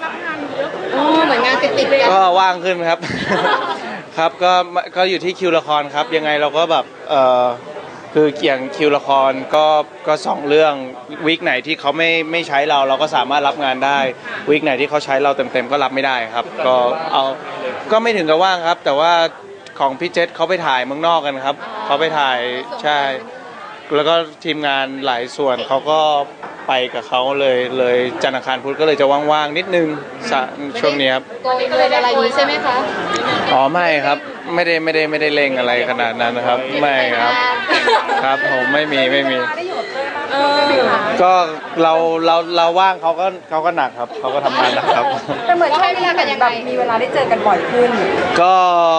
รับงานเยอะขึ้นเหมือนงานติดกันก็ว่างขึ้นครับ ครับก็อยู่ที่คิวละครครับยังไงเราก็แบบคืออย่างคิวละครก็สองเรื่องวีคไหนที่เขาไม่ใช้เราก็สามารถรับงานได้วีคไหนที่เขาใช้เราเต็มก็รับไม่ได้ครับก็ไม่ถึงกับว่างครับแต่ว่าของพี่เจษเขาไปถ่ายเมืองนอกกันครับเขาไปถ่ายใช่แล้วก็ทีมงานหลายส่วนเขาก็ไปกับเขาเลยจันทร์อังคารพุธก็เลยจะว่างๆนิดนึงช่วงนี้ครับโกยอะไรนี้ใช่ไหมคะอ๋อไม่ครับไม่ได้เล่งอะไรขนาดนั้นนะครับไม่ครับผมไม่มีก็เราว่างเขาก็หนักครับเขาก็ทำงานหนักครับแต่เหมือนให้เวลากันยังไงมีเวลาได้เจอกันบ่อยขึ้นก็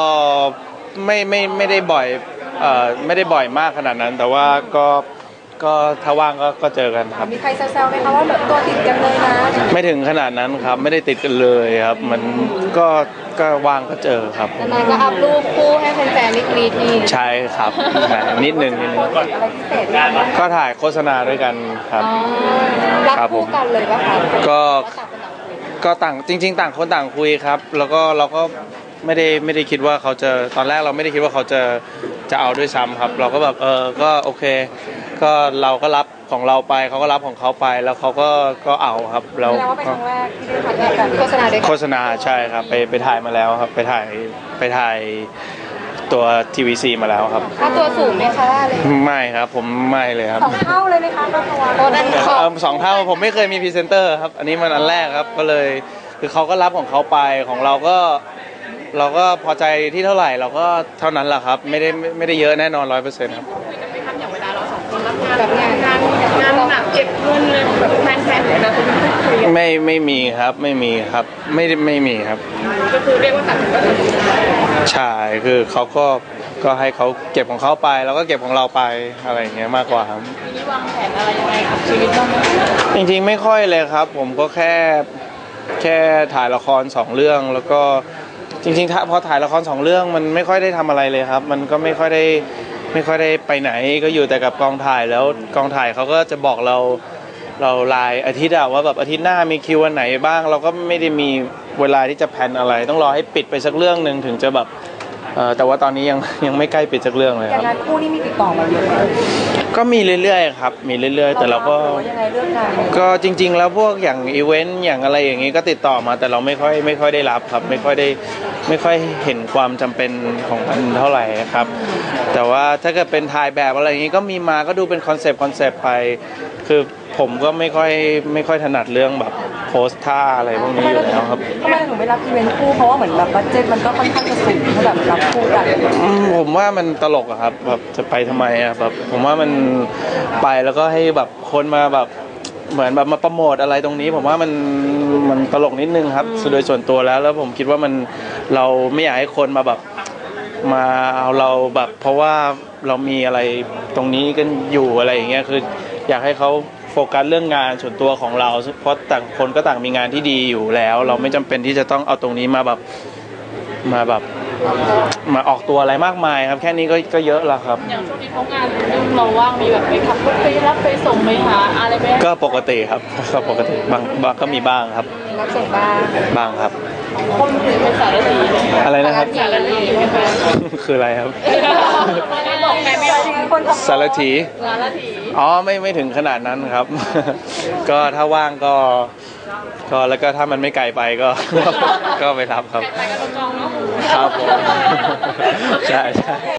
ไม่ได้บ่อยไม่ได้บ่อยมากขนาดนั้นแต่ว่าก็ถ้าว่างก็เจอกันครับมีใครแซวๆไหมคะว่าแบบตัวติดกันเลยนะไม่ถึงขนาดนั้นครับไม่ได้ติดกันเลยครับมันก็ว่างก็เจอครับนานก็อัพรูปคู่ให้แฟนๆนิดนี่ใช่ครับนิดนึงก็ถ่ายโฆษณาด้วยกันครับรับคู่กันเลยป่ะคะก็ต่างจริงๆต่างคนต่างคุยครับแล้วก็เราก็ไม่ได้คิดว่าเขาจะตอนแรกเราไม่ได้คิดว่าเขาจะเอาด้วยซ้ำครับเราก็แบบก็โอเคก็เราก็รับของเราไปเขาก็รับของเขาไปแล้วเขาก็เอาครับเราเป็นครั้งแรกที่ได้ถ่ายกันโฆษณาใช่ครับไปถ่ายมาแล้วครับไปถ่ายตัว TVC มาแล้วครับค่าตัวสูงไหมคะไม่ครับผมไม่เลยครับ 2 เท่าเลยไหมคะ 2 เท่าผมไม่เคยมีพรีเซนเตอร์ครับอันนี้มันอันแรกครับก็เลยคือเขาก็รับของเขาไปของเราก็พอใจที่เท่าไหร่เราก็เท่านั้นแหละครับไม่ได้เยอะแน่นอน 100% ครับไม่ทำอย่างเวลาเรา2 คนรับงานแบบงานหนักเก็บเงินเลยแบบแฟนๆเลยนะคุณไม่มีครับไม่มีครับไม่มีครับก็คือเรียกว่าตัดก็ตัดใช่คือเขาก็ให้เขาเก็บของเขาไปแล้วก็เก็บของเราไปอะไรอย่างเงี้ยมากกว่าครับทีนี้วางแผนอะไรยังไงกับชีวิตบ้างจริงๆไม่ค่อยเลยครับผมก็แค่ถ่ายละคร2 เรื่องแล้วก็จริงๆพอถ่ายละคร2 เรื่องมันไม่ค่อยได้ทำอะไรเลยครับมันก็ไม่ค่อยได้ไปไหนก็อยู่แต่กับกองถ่ายแล้วกองถ่ายเขาก็จะบอกเรารายอาทิตย์ว่าแบบอาทิตย์หน้ามีคิววันไหนบ้างเราก็ไม่ได้มีเวลาที่จะแพลนอะไรต้องรอให้ปิดไปสักเรื่องนึงถึงจะแบบแต่ว่าตอนนี้ยังไม่ใกล้ปิดสักเรื่องเลยครับงานคู่นี่มีติดต่อมาเยอะไหมก็มีเรื่อยๆครับมีเรื่อยๆแต่เราก็ยังไงเรื่องงานก็จริงๆแล้วพวกอย่างอีเวนต์อย่างอะไรอย่างนี้ก็ติดต่อมาแต่เราไม่ค่อยได้รับครับไม่ค่อยเห็นความจำเป็นของมันเท่าไหร่ครับแต่ว่าถ้าเกิดเป็นถ่ายแบบอะไรอย่างนี้ก็มีมาก็ดูเป็นคอนเซปต์ไปคือผมก็ไม่ค่อยถนัดเรื่องแบบโพสท่าอะไรพวกนี้อยู่แล้วครับทำไมถึงไม่รับอีเวนต์คู่เพราะว่าเหมือนแบบบัดเจ็ตมันก็ค่อนข้างจะสูงถ้าแบบรับคู่กันผมว่ามันตลกอะครับแบบจะไปทำไมอะแบบผมว่ามันไปแล้วก็ให้แบบคนมาแบบเหมือนแบบมาโปรโมทอะไรตรงนี้ผมว่ามันตลกนิดนึงครับโดยส่วนตัวแล้วผมคิดว่าเราไม่อยากให้คนมาแบบมาเอาเราแบบเพราะว่าเรามีอะไรตรงนี้กันอยู่อะไรอย่างเงี้ยคืออยากให้เขาโฟกัสเรื่องงานส่วนตัวของเราเพราะต่างคนก็ต่างมีงานที่ดีอยู่แล้วเราไม่จำเป็นที่จะต้องเอาตรงนี้มาออกตัวอะไรมากมายครับแค่นี้ก็เยอะแล้วครับอย่างช่วงนี้เขางานเราว่างมีแบบไปขับรถไปรับไปส่งไปหาอะไรไหมก็ปกติครับก็ปกติบางก็มีบ้างครับรับส่งบ้างครับคนเป็นสารถีอะไรนะครับสารถีคืออะไรครับบอกไงไม่ได้คนสารถีอ๋อไม่ถึงขนาดนั้นครับก็ถ้าว่างก็แล้วก็ถ้ามันไม่ไกลไปก็ไปรับครับไปกันจองเนาะครับผมใช่